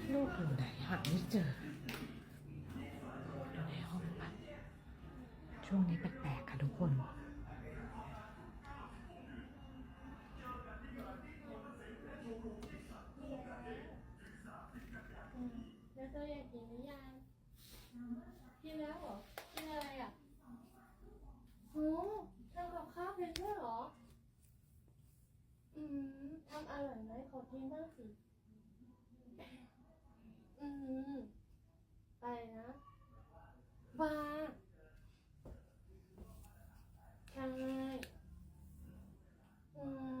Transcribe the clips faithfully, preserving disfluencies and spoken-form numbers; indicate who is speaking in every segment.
Speaker 1: ลูกอยู่ไหนหาไม่เจออยู่ในห้องปะช่วงนี้แปลกๆค่ะทุกคน
Speaker 2: แล้วเธออยากกินหรือยังกินแล้วเหรอกินอะไรอ่ะโอ้ทำกับข้าวเป็นด้วยเหรออืมทำอร่อยไหมขอกินบ้างสิอืมไปนะบาใช่อืม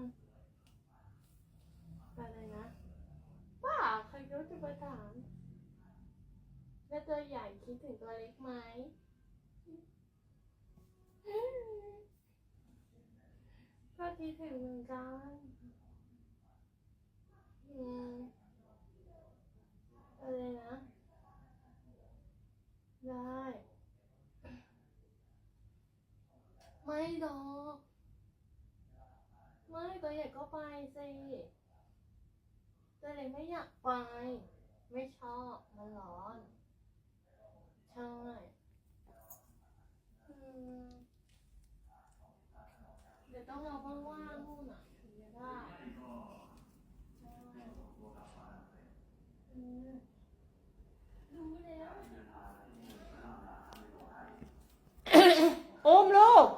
Speaker 2: ไปเลยนะป้าใครรู้จะมาถามแล้วตัวใหญ่คิดถึงตัวเล็กไหมก็คิดถึงเหมือนกันอืมอะไรนะได้ไม่หรอกไม่ตัวใหญ่ก็ไปสิตัวเล็กไม่อยากไปไม่ชอบมันร้อนใช่อืมเดี๋ยวต้องรอว่างๆนู่นอ่ะถึงจะได้ใช่อืมรู้แล้ว
Speaker 1: โอมลูก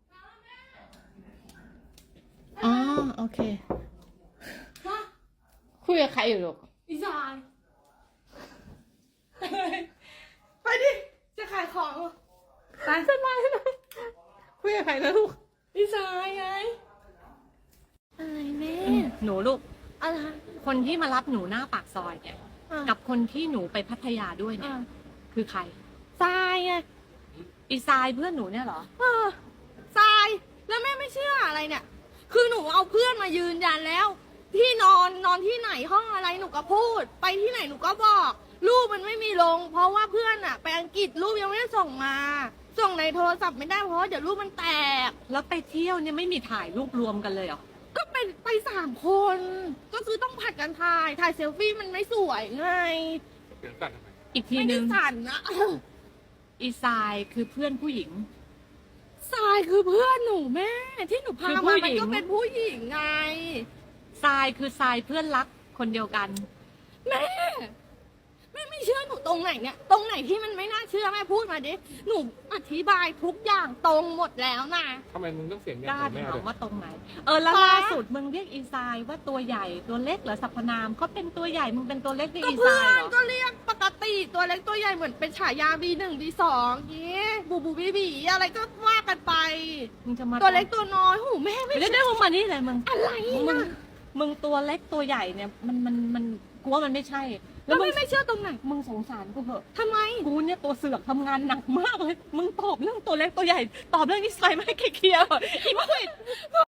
Speaker 1: อ๋อโอเค
Speaker 2: ฮะ
Speaker 1: คุยกับใครอยู่ลูก
Speaker 2: อีสานไปดิจะขายของเหรอ
Speaker 1: ไปสบายเลยคุยกับใครนะลูก
Speaker 2: อีสานไงอะไรแม่
Speaker 1: หนูลูก
Speaker 2: อะไร
Speaker 1: คนที่มารับหนูหน้าปากซอยเนี่ย
Speaker 2: อ่ะ
Speaker 1: กับคนที่หนูไปพัทยาด้วยเนี่ย
Speaker 2: อ่ะ
Speaker 1: คือใคร
Speaker 2: ทรายไง
Speaker 1: อีซายเพื่อนหนูเนี่ยเหรอ
Speaker 2: เออทรายแล้วแม่ไม่เชื่ออะไรเนี่ย คือหนูเอาเพื่อนมายืนยันแล้ว ที่นอนนอนที่ไหนห้องอะไรหนูก็พูด ไปที่ไหนหนูก็บอกรูปมันไม่มีลง เพราะว่าเพื่อนอะไปอังกฤษรูปยังไม่ได้ส่งมา ส่งในโทรศัพท์ไม่ได้เพราะว่าเดี๋ยวรูปมันแตก
Speaker 1: แล้วไปเที่ยวเนี่ยไม่มีถ่ายรูปรวมกันเลยเหรอ
Speaker 2: ก็ไปไปสามคน ก็คือต้องผัดกันถ่าย ถ่ายเซลฟี่มันไม่สวยไง
Speaker 3: เสียงสั่นทำไม
Speaker 1: อีกที
Speaker 2: ไม่
Speaker 1: นึ
Speaker 2: ได้
Speaker 1: ง
Speaker 2: สั่นนะ
Speaker 1: อีซายคือเพื่อนผู้หญิง
Speaker 2: ทรายคือเพื่อนหนูแม่ ที่หนูพา
Speaker 1: คือผู้
Speaker 2: มา
Speaker 1: หญิ
Speaker 2: มัน
Speaker 1: ง
Speaker 2: ก็เป็นผู้หญิงไง
Speaker 1: ทรายคือทรายเพื่อนรักคนเดียวกัน
Speaker 2: แม่แม่ไม่เชื่อหนูตรงไหนเนี่ย ตรงไหนที่มันไม่น่าเชื่อแม่พูดมาดิ หนูอธิบายทุกอย่างตรงหมดแล้วนะ
Speaker 3: ทำไมมึงต้องเสียง
Speaker 1: ก
Speaker 3: เงี้ย
Speaker 1: ล้า
Speaker 3: ใส่แม่
Speaker 1: ถา
Speaker 3: เล
Speaker 1: ม
Speaker 3: ย
Speaker 1: ว่าตรงไหน เออแล้ว
Speaker 2: ป๊า
Speaker 1: ล่าสุดมึงเรียกอีซายว่าตัวใหญ่ตัวเล็กเหรอสรรพนามเขาเป็นตัวใหญ่มึงเป็นตัวเล็กใน
Speaker 2: ก็
Speaker 1: อี
Speaker 2: เพื่
Speaker 1: ซา
Speaker 2: อย น
Speaker 1: เหรอ
Speaker 2: ก็เรียกปกติตัวเล็กตัวใหญ่เหมือนเป็นฉายา บี หนึ่ง บี สองอย่างงี้บูบูบีบีอะไรก็ว่ากันไป
Speaker 1: มึงจะมา
Speaker 2: ตัวเล็กตัวน้อยหูแม่ไม่
Speaker 1: เดี๋ยวเดี๋ยวมึงมานี่เลยมึง
Speaker 2: อะไร
Speaker 1: มึง
Speaker 2: นะ
Speaker 1: มึงตัวเล็กตัวใหญ่เนี่ยมันมันมันกูว่ามันไม่ใช่
Speaker 2: แล้ว
Speaker 1: มึ
Speaker 2: ไม่
Speaker 1: ง
Speaker 2: ไม่เชื่อตรงไหน
Speaker 1: มึงสงสารกูเหอะ
Speaker 2: ทำไม
Speaker 1: กูเนี่ยตัวเสือกทำงานหนักมากเลย มึงตอบเรื่องตัวเล็กตัวใหญ่ ตอบเรื่องนิสัยไม่ให้เคลียร์ๆเหรออีก